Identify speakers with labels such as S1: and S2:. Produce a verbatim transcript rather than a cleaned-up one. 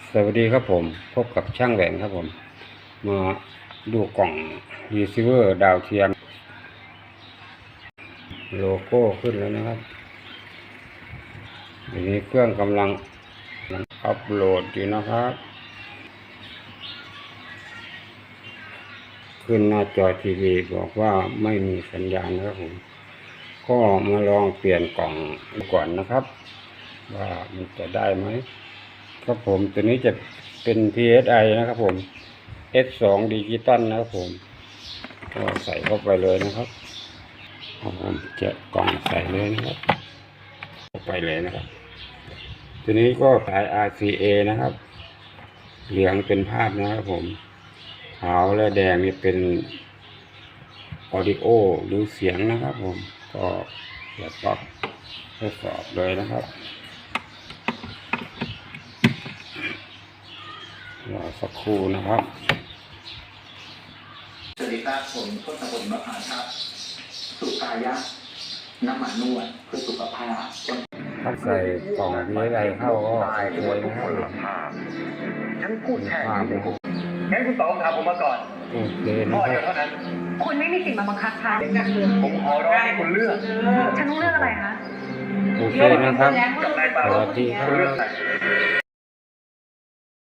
S1: สวัสดีครับผมพบกับช่างแหวนครับผมมาดูกล่องรีเซิเวอร์ดาวเทียมโลโก้ขึ้นแล้วนะครับทีนี้เครื่องกำลังอัปโหลดอยู่นะครับขึ้นหน้าจอทีวีบอกว่าไม่มีสัญญาณนะครับผมก็มาลองเปลี่ยนกล่องก่อนนะครับว่ามันจะได้ไหมครับผมตัวนี้จะเป็น พี เอส ไอ นะครับผม เอส สอง ดิจิตอลนะครับผมก็ใส่เข้าไปเลยนะครับผมจะกล่องใส่เลยนะครับเข้าไปเลยนะครับตัวนี้ก็สาย อาร์ ซี เอ นะครับเหลืองเป็นภาพนะครับผมขาวและแดงนี่เป็นออดิโอหรือเสียงนะครับผมก็จะปรับทดสอบเลยนะครับรอสักครู่นะครับ
S2: สวัสดีครับผมทศพลมะพร้าวครับสุกายะน้ำมันนวดเพื่อสุขภาพ
S1: ถ้าใส่กล่องนี้อะไรเข้าก็โอเคนะครับ
S2: ฉันพูดแค่นี้งั้นคุณต๋องถามผมมาก่อน
S1: โอเคนะ
S2: ข้อ
S1: ครับ
S2: เดียวเท่านั้น
S3: คุณไม่มีสิทธิ์มาบังคับฉัน
S2: ผมขอร้องให้คุณเลือก
S3: ฉันต้องเลือกอะไรคะ
S1: โอเคนะครับ
S2: กับนายปา
S1: ส
S2: โร
S1: วัสดีครั
S2: คุณเลือก
S1: บ
S2: ใคร